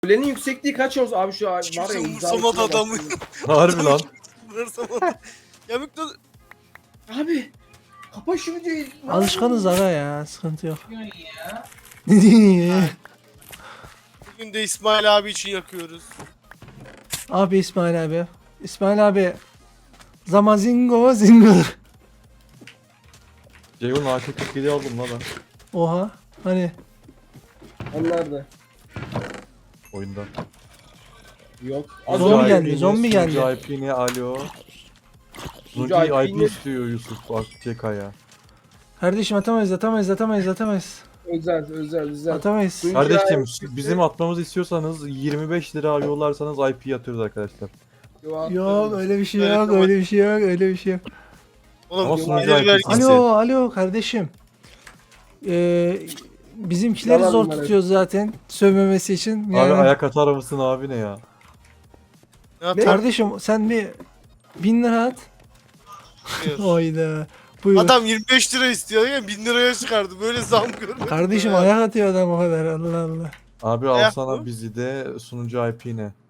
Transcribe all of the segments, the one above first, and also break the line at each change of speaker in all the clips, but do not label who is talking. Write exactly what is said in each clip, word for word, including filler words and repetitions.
Kulenin yüksekliği kaç olsun abi şu an var
Kimse
ya.
umursamadı adamı.
Harbi lan.
Umursamadı. Yamuk da
Abi kapa şu videoyu.
Alışkanız aga ya, sıkıntı yok. Ne diyeyim ya?
bugün de İsmail abi için yakıyoruz.
Abi İsmail abi. İsmail abi. Zamazingo zingo.
Ceyhun A K kırk yedi aldım lan ben
Oha. Hani
Onlar da.
oyunda.
Yok.
Zombi
Sunucu
geldi,
I P'ni,
zombi geldi.
Sunucu I P'ni alo. Sunucu
Sunucu
I
I
P
P'ni
istiyor Yusuf A K K'ya.
kardeşim atamayız atamayız atamayız atamayız.
özel özel özel.
Atamayız.
Sunucu-
Kardeşim
I P
bizim atmamızı istiyorsanız yirmi beş lira yollarsanız I P atıyoruz arkadaşlar.
Yok öyle bir şey
Öyle
yok
tamam.
öyle bir şey yok öyle bir şey yok.
Oğlum
Ama
gelir
sunucu I P'si.
vergisi.
Alo alo kardeşim. Ee, bizimkileri
Yalan
zor
bunlar hep.
tutuyoruz zaten sövmemesi için.
Abi
Yani,
ayak atar mısın abi ne ya?
Ne yapıyor?
kardeşim sen bir bin lira at. Oyda. Buyur.
Adam yirmi beş lira istiyor ya bin liraya çıkardı. Böyle zam görmedim.
Kardeşim
ya.
ayak atıyor adam o kadar Allah Allah.
Abi
Ayak
alsana
mı?
bizi de sunucu I P ne?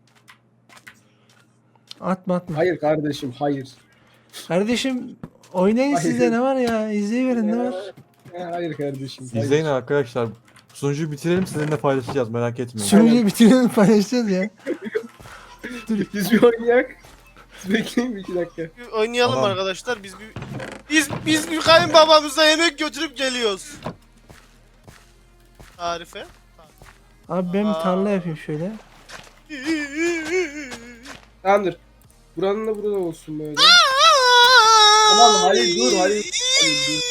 Atma atma.
Hayır kardeşim hayır.
Kardeşim oynayın
Hayır.
sizde ne var ya izleyiverin ne var.
Ee, Hayır kardeşim. Hayır.
İzleyin arkadaşlar. Sunucuyu bitirelim sizinle paylaşacağız merak etmeyin.
Sunucuyu bitirelim paylaşacağız ya.
Biz bir oynayak. Siz bekleyin bir iki dakika.
Bir oynayalım
Tamam.
arkadaşlar. Biz bir biz biz bir kayınbabamıza yemek götürüp geliyoruz. Tarife.
Abi ben bir tarla yapayım şöyle.
Tamamdır. Buranın da burada olsun böyle. Tamam hayır dur hayır. Hayır, dur.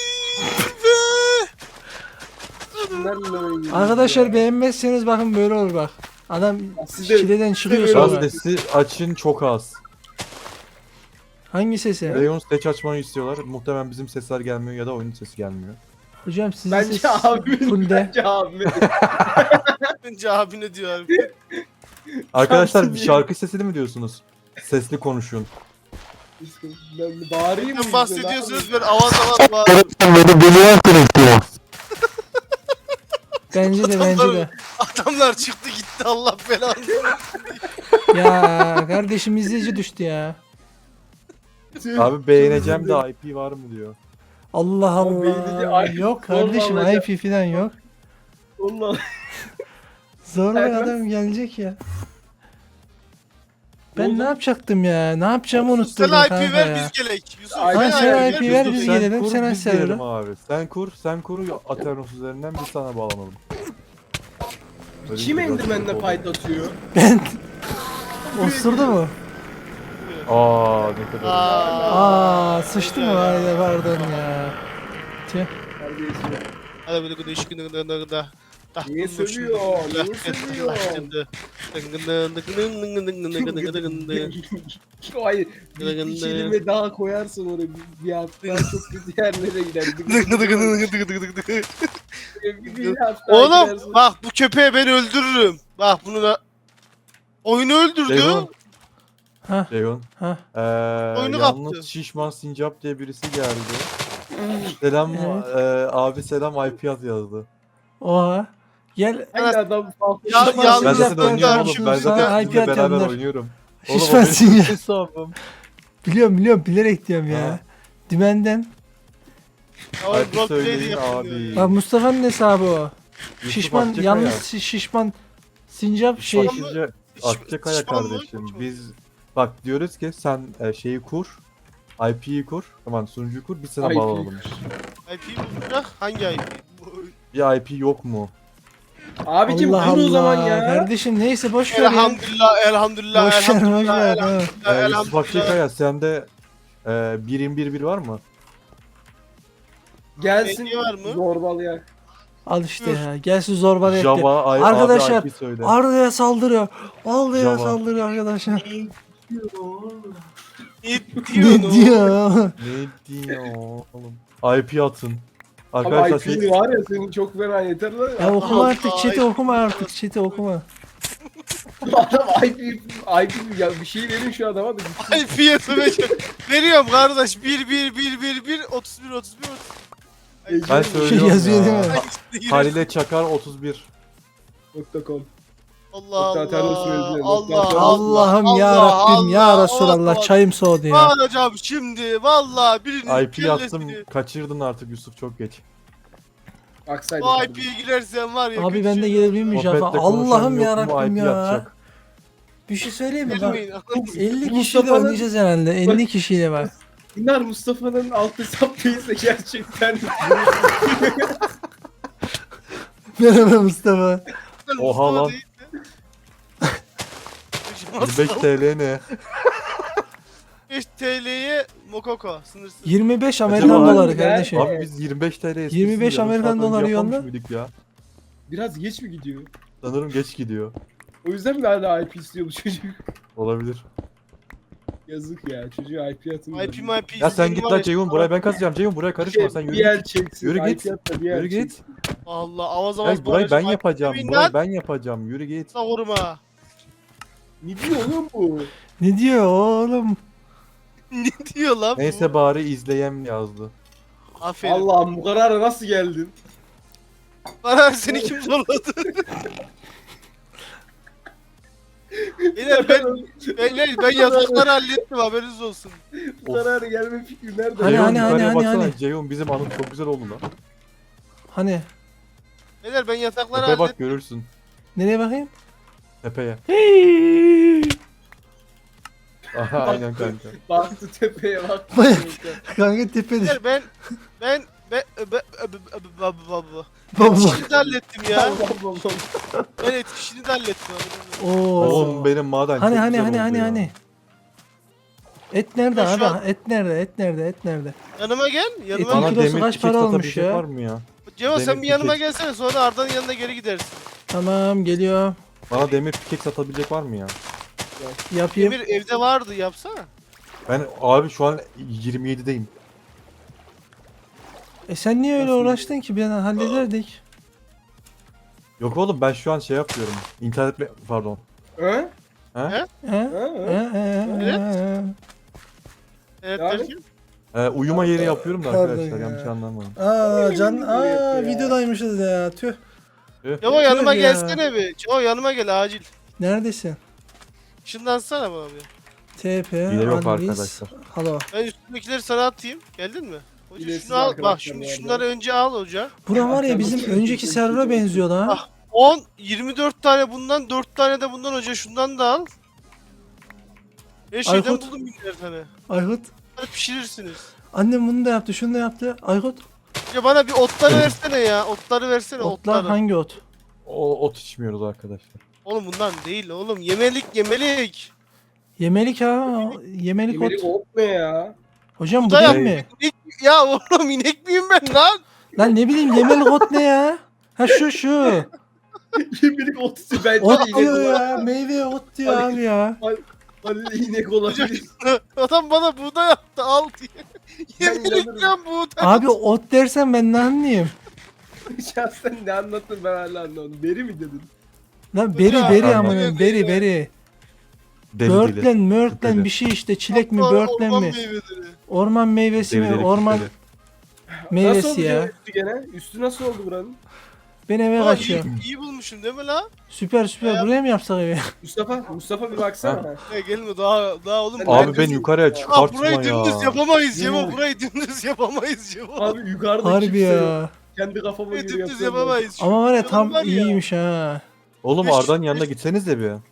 Bunlarla oynayayım.
Arkadaşlar beğenmezseniz bakın böyle olur bak. Adam
Siz de-
çileden çıkıyor
böyle
sonra.
Gaz sesi açın çok az.
Hangi sesi?
Rayon stage açmayı istiyorlar. Muhtemelen bizim sesler gelmiyor ya da oyunun sesi gelmiyor.
Hocam sizin
Bence
ses
abi.
fullde.
Bence abi.
Önce abi ne diyor abi?
Arkadaşlar
Şansın
bir
değil.
şarkı sesini mi diyorsunuz? Sesli konuşun.
Ben bağırayım mı?
Neden bahsediyorsunuz böyle avaz avaz bağırıyor.
Bence de bence de.
Adamlar çıktı gitti Allah belanı.
Ya kardeşim izleyici düştü ya.
Abi beğeneceğim de I P var mı diyor.
Allah
Oğlum beynini
Allah.
ay-
Yok
zorla
kardeşim
alacak.
I P falan yok.
Allah.
Zorla
Evet.
adam gelecek ya. Ben
Oldu.
ne yapacaktım ya? Ne yapacağımı unutturdum
Sen I
kanka
P ver
ya.
biz gelek. Yusuf
Ay,
Ha,
ben
sen
I
I
P
P ver
Yusuf,
biz
sen
gelelim
kur,
sen
biz
server'ı.
girelim abi. Sen kur, sen kur Aternos üzerinden biz sana bağlanalım. Böyle
Kim
bir şey
Enderman'le
oldu.
fight atıyor?
Ben osurdu mu?
Aa ne kadar.
Aa.
Aa sıçtı mı? Haydi pardon ya. Tüh.
Terbiyesiz.
Hadi böyle gıdı şıkkı gıdı gıdı gıdı.
Niye sövüyor? Niye sövüyor? Hayır. Bir, bir kelime daha koyarsın oraya bir, bir hafta çok kötü yerlere gider. Bir, bir hafta
Oğlum
gidersin.
bak bu köpeği ben öldürürüm. Bak bunu da oyunu öldürdü.
Ceyhun,
Ha
Ceyhun.
ha.
Ee,
Oyunu
yalnız
kaptı.
Şişman Sincap diye birisi geldi. Selam
Evet.
ee, abi selam I P at yazdı.
Oha. Gel.
Aynı adam farklı.
Ya-
Şişman
ya-
Ben
Sincap
zaten
Sincap
oynuyorum
yaptın,
oğlum. Ben
sana
zaten
I P
sizinle beraber
atanlar.
oynuyorum. Oğlum o
Şişman
benim
Sincap.
hesabım.
Biliyorum biliyorum bilerek diyorum ya.
Ha.
Dümenden.
Oğlum
Hadi
roleplay
söyleyin
yapılmıyor
abi.
ya.
Bak Mustafa'nın hesabı o.
Yusuf
Şişman
Akçakaya.
yalnız şi- şişman Sincap şey.
Akçakaya, Akçakaya
Şişman mı?
kardeşim. Biz bak diyoruz ki sen e, şeyi kur. I P'yi kur. Tamam sunucuyu kur. Biz sana
I P.
bağlanalım.
I P mi bırak? Hangi I P? Bu-
Bir I P yok mu?
Abicim
Allah
dur o zaman
Allah.
ya.
Kardeşim neyse boş ver ya.
Elhamdülillah, elhamdülillah,
Boş ver boş
elhamdülillah,
ver. ha.
elhamdülillah,
Ee, Yusuf
elhamdülillah.
Akçakaya sende e, bir yirmi bir bir var mı?
Gelsin
Hediye var mı?
zorbalayak.
Al işte ya. Gelsin zorbalı etti.
Java, I,
Arkadaşlar,
abi I P söyle.
Arda'ya saldırıyor. Arda'ya
Java.
saldırıyor arkadaşlar.
Ne
Ne
diyorsun?
diyor?
Ne diyor oğlum? I P atın.
Ama
Arkadaşlar
I P'li
şey,
var ya senin çok fena yeter lan.
Ya okuma
Allah
artık
Allah.
chat'i okuma artık chat'i okuma.
Adam I P, I P ya bir şey verin şu adama da.
I P'ye söveceğim. Veriyorum kardeş. bir bir bir bir bir otuz bir otuz bir otuz.
ben
Şey
söylüyorum
yazıyor
ya.
değil mi?
Ay,
Halile Çakar otuz bir.
Nokta com.
Allah
Hatta
Allah.
terörist söyledi.
Allah
Hatta-
Allah'ım
Allah,
ya Rabbim ya
Allah,
Resulallah
Allah.
çayım soğudu ya.
Bağıracağım şimdi. Vallahi birinin
I P attım.
kellesini.
Kaçırdın artık Yusuf, çok geç.
Aksaydın.
O I P'ye girersen var ya.
Abi
kötü
ben de
şey
gelebilir miyim Cafer?
Sohbetle konuşan
Allah'ım ya
yok mu,
Rabbim
I P
ya.
atacak.
Bir şey söyleyeyim mi? Bak,
Gelmeyin.
elli kişiyle
Mustafa'nın-
oynayacağız herhalde. elli kişiyle bak.
İnar Mustafa'nın alt hesap değilse gerçekten.
Merhaba Mustafa.
Oha lan. yirmi beş T L ne?
beş T L'ye Mokoko sınırsız.
yirmi beş
Acaba
Amerikan
abi
doları
ben-
kardeşim.
Abi biz yirmi beş T L esprisini
yirmi beş
yarım
Amerikan
saat önce
doları
yapmamış
yolla.
mıydık ya?
Biraz geç mi gidiyor?
Sanırım geç gidiyor.
O yüzden mi hala I P istiyor bu çocuk?
Olabilir.
Yazık ya, çocuğa I P atın.
I P M I P.
Ya sen git lan Ceyhun, buraya ben kazacağım. Ceyhun buraya karışma, sen
Bir
yürü
yer
git.
çeksin.
Yürü
I P
git.
at da bir yer
Yürü git.
çeksin.
Allah avaz avaz
Ya burayı ben
bağıracağım.
yapacağım.
Yemin
Burayı
lan.
ben yapacağım. Yürü git.
Savurma.
Ne diyor oğlum bu?
Ne diyor oğlum?
Ne diyor lan bu?
Neyse bari izleyem yazdı.
Aferin.
Allah'ım bu karara nasıl geldin?
Bana seni kim zorladı? Beyler ben, beyler ben yatakları hallettim haberiniz olsun.
Bu karara gelme fikri nerede?
Hani,
Ceyhun
hani,
yukarıya
hani,
baksana.
hani.
Ceyhun bizim anım çok güzel oldu lan.
Hani
Beyler ben yatakları
Tepeye bak
hallettim.
görürsün.
nereye bakayım?
Tepeye.
Hey!
Aha aynen kanka.
Baktı tepeye baktı.
Bak. Kanka tepede.
Beyler ben ben ben ben ben
Baba.
Etkişini de hallettim ya.
Allah Allah.
Ben etkişini de hallettim. haberiniz olsun.
Oo.
Oğlum benim maden
Hani
çok
hani
güzel
hani
oldu
hani
ya.
hani. Et nerede
Ya şu
abi?
an-
Et nerede? Et nerede? Et nerede?
Yanıma gel. Yanıma
Etin
Bana
gel.
kilosu
demir
kaç
pickaxe
para olmuş
satabilecek
ya?
var mı ya?
Cevo sen
demir
bir yanıma
pickaxe-
gelsene sonra Arda'nın yanına geri gidersin.
Tamam geliyor.
Bana demir pickaxe satabilecek var mı ya?
Yapayım.
Emir evde vardı yapsana.
Ben abi şu an yirmi yedideyim.
E sen niye öyle
Nasıl?
uğraştın ki? Bir an hallederdik.
Yok oğlum ben şu an şey yapıyorum. İnternet pardon.
Ha?
He?
Ha?
Ha?
He,
Ha?
he, he.
Evet
Yani-
derken.
Ee, uyuma yeri yapıyorum da
Pardon
arkadaşlar
ya.
yanlış anlamayın.
Aa can, aa
Ya.
videodaymışız ya. Tüh.
Cevo yanıma
ya.
gelsene bir. Cevo yanıma gel acil.
Neredesin?
Işınlansana bana bir.
T P,
Hile yok
analiz,
arkadaşlar.
halo.
Ben üstündekileri sana atayım. Geldin mi? Hoca
Hilesiz
şunu al. Bak
arkadaşlar
şimdi
bu arada.
şunları önce al hoca.
Bura var ya
Atarım.
bizim önceki server'a benziyor lan.
Ah. on, yirmi dört tane bundan, dört tane de bundan hoca şundan da al. Her şeyden
Aykut.
buldum binler tane.
Aykut.
Hadi pişirirsiniz.
Annem bunu da yaptı, şunu da yaptı. Aykut.
Ya bana bir otları versene ya. Otları versene
Otlar
otları.
hangi ot?
O ot içmiyoruz arkadaşlar.
Oğlum bundan değil oğlum. Yemelik yemelik.
Yemelik ha. Yemelik ot.
Yemelik ot ne ya?
Hocam bu
Da
değil
yap-
mi?
İnek- ya oğlum inek miyim ben lan?
Lan ne bileyim yemelik ot ne ya? Ha şu şu.
Yemelik ot ise bence
Ot
de inek
diyor
olabilir.
ya. Meyve ot diyor
Hadi.
abi ya.
Halil inek olabilir.
Adam bana buğday yaptı al diye.
Ben
Yemelik
inanırım.
lan buğday.
Abi ot dersen ben ne anlayayım?
Şahsen ne anlattın ben hala anlamadım. Beri mi dedin?
Lan beri
Hocam,
beri
anladım.
amına beri beri.
Deli deli.
Börtlen mörtlen
Deli.
bir şey işte çilek mi
Hatta
börtlen
orman
mi?
meyveleri.
Orman meyvesi
Deli
mi?
deli
Orman
deli.
Nasıl
meyvesi
oldu
ya.
üstü gene? Üstü nasıl oldu buranın?
Ben eve
Aa,
kaçıyorum.
iyi, iyi bulmuşum değil mi la?
Süper süper
Ya.
buraya mı yapsak evi?
Mustafa, Mustafa bir baksana.
Ya gelme daha daha oğlum.
Sen
Abi
neredesin?
ben yukarıya
Aa,
çıkartma
burayı
ya.
dümdüz yapamayız Cevo.
Yok.
Burayı dümdüz yapamayız Cevo.
Abi yukarıda
Harbi
kimse yok.
ya.
Kendi kafama
Burayı
göre
dümdüz
yapıyorum.
yapamayız. Şu
Ama var ya
yanım
tam
var ya.
iyiymiş ha.
Oğlum
Beş-
Arda'nın yanına
beş-
gitseniz de bir.